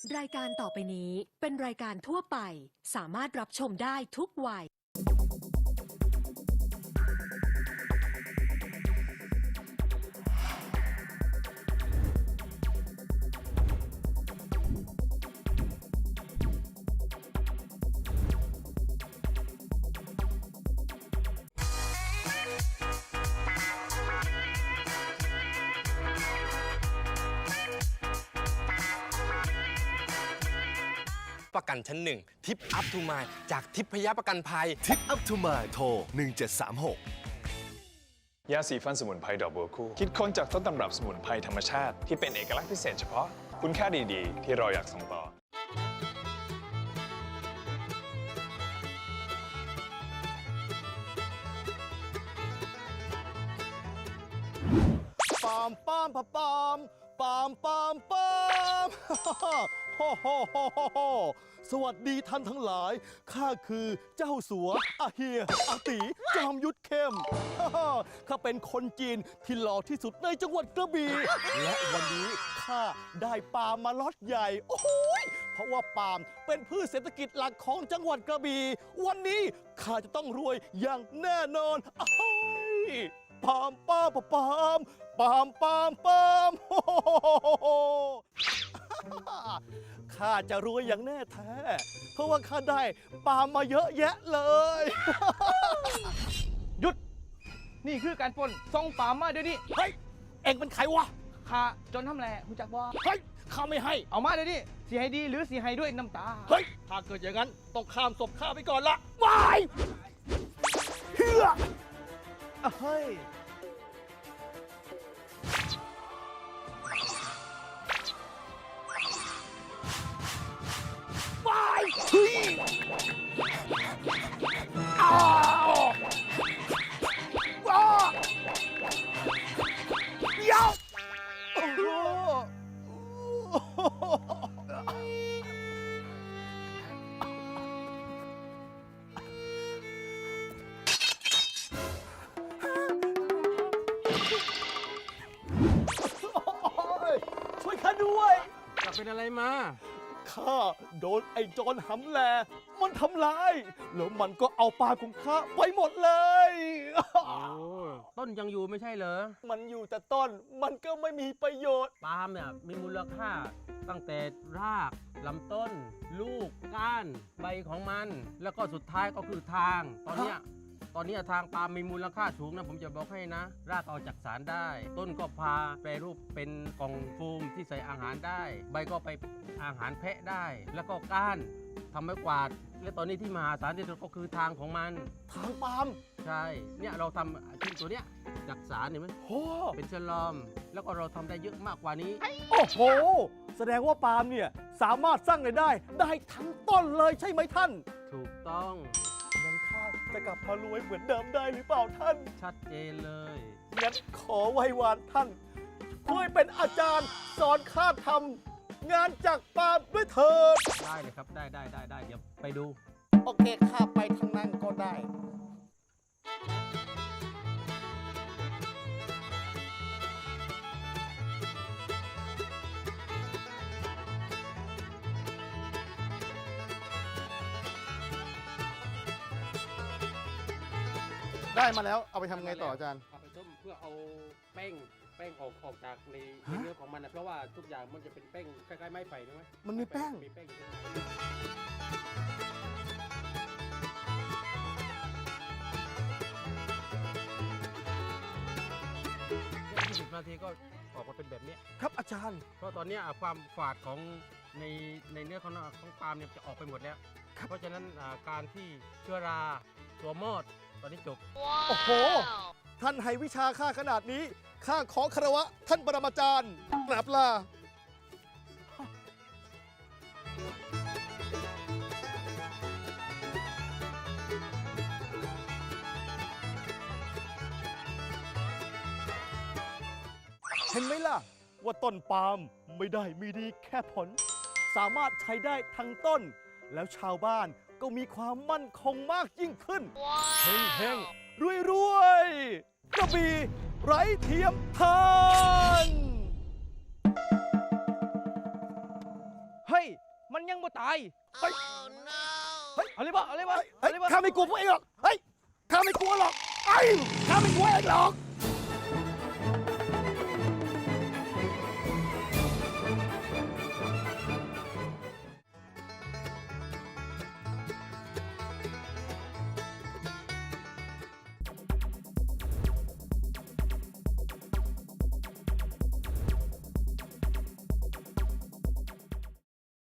รายการต่อไปนี้เป็นรายการทั่วไปสามารถรับชมได้ทุกวัยประกันชั้นหนึ่งทิปอัพทูมายจากทิพยประกันภัยทิปอัพทูมาโทร 1736 ยาสีฟันสมุนไพรดอกบัวคู่คิดค้นจากต้นตำรับสมุนไพรธรรมชาติที่เป็นเอกลักษณ์พิเศษเฉพาะคุณค่าดีๆ ที่เราอยากส่งต่อปามปามปามปามปามปามฮ่าฮ่าฮ่าฮ่าฮ่าสวัสดีท่านทั้งหลายข้าคือเจ้าสัวอาเฮียอาตีจอมยุทธเข้มข้าเป็นคนจีนที่หล่อที่สุดในจังหวัดกระบี่และวันนี้ข้าได้ปาล์มมาล็อตใหญ่โอ้โหเพราะว่าปาล์มเป็นพืชเศรษฐกิจหลักของจังหวัดกระบี่วันนี้ข้าจะต้องรวยอย่างแน่นอนปามปามปามปามปามปามข้าจะรวยอย่างแน่แท้เพราะว่าข้าได้ปาล์มมาเยอะแยะเลยหยุดนี่คือการปล้นส่งปามมาเดี๋ยวนี้เฮ้ยเอ็งเป็นใครวะข้าจนทำแหล่คุณจักบ่เฮ้ยข้าไม่ให้เอามาเดี๋ยวนี้สีให้ดีหรือสีให้ด้วยน้ำตาเฮ้ยถ้าเกิดอย่างนั้นต้องข้ามศพข้าไปก่อนละวายเฮือเฮ้ยวายเฮ้ยอ้าวว้าเดี๋ยวโอ้โหช่วยข้าด้วยจะเป็นอะไรมาข้าโดนไอ้โจรหำแลมันทำร้ายแล้วมันก็เอาปลาของข้าไปหมดเลยต้นยังอยู่ไม่ใช่เหรอมันอยู่แต่ต้นมันก็ไม่มีประโยชน์ปาล์มเนี่ยมีมูลค่าตั้งแต่รากลำต้น ลูกก้านใบของมันแล้วก็สุดท้ายก็คือทางตอนเนี้ยทางปาล์มมีมูลค่าสูงนะผมจะบอกให้นะรากเอาจากสารได้ ต้นก็พาแปรรูปเป็นกล่องโฟมที่ใส่อาหารได้ใบก็ไปอาหารแพะได้แล้วก็ก้านทำไม้กวาดและตอนนี้ที่มหาศาลที่สุดก็คือทางของมันทางปาล์มใช่เนี่ยเราทำชิ้นตัวเนี้ยจากสารเห็นไหมโอ้เป็นเชลอมแล้วก็เราทำได้เยอะมากกว่านี้โอ้โหแสดงว่าปาล์มเนี่ยสามารถสร้างรายได้ทั้งต้นเลยใช่ไหมท่านถูกต้องงั้นข้าจะกลับมารวยเหมือนเดิมได้หรือเปล่าท่านชัดเจนเลยงั้นขอไหว้วานท่านช่วยเป็นอาจารย์สอนข้าทำงานจากปาล์มด้วยเถิดได้เลยครับได้เดี๋ยวไปดูโอเคข้าไปทางนั้นก็ได้ได้มาแล้วเอาไปทำไงต่ออาจารย์เอาไปต้มเพื่อเอาแป้งออกจากในเนื้อของมันนะเพราะว่าทุกอย่างมันจะเป็นแป้งคล้ายๆไม้ไผ่ใช่ไหมมันมีแป้ง 20 นาทีก็ออกมาเป็นแบบนี้ครับอาจารย์เพราะตอนนี้ความฝาดของในเนื้อของปาล์มเนี่ยจะออกไปหมดแล้วเพราะฉะนั้นการที่เชื้อราตัวมอดตอนนี้จบโอ้โหท่านให้วิชาข้าขนาดนี้ข้าขอคารวะท่านปรมาจารย์กราบลาเห็นไหมล่ะว่าต้นปาล์มไม่ได้มีดีแค่ผลสามารถใช้ได้ทั้งต้นแล้วชาวบ้านก็มีความมั่นคงมากยิ่งขึ้นเฮงรวยกระบี่ไร้เทียมทานเฮ้ย มันยังบ่ตายเฮ้ยเอาเลยบ่เอาเลยบ่เฮ้ยข้าไม่กลัวพวกเองหรอก เฮ้ย ข้าไม่กลัวหรอกไอ้ข้าไม่กลัวเองหรอก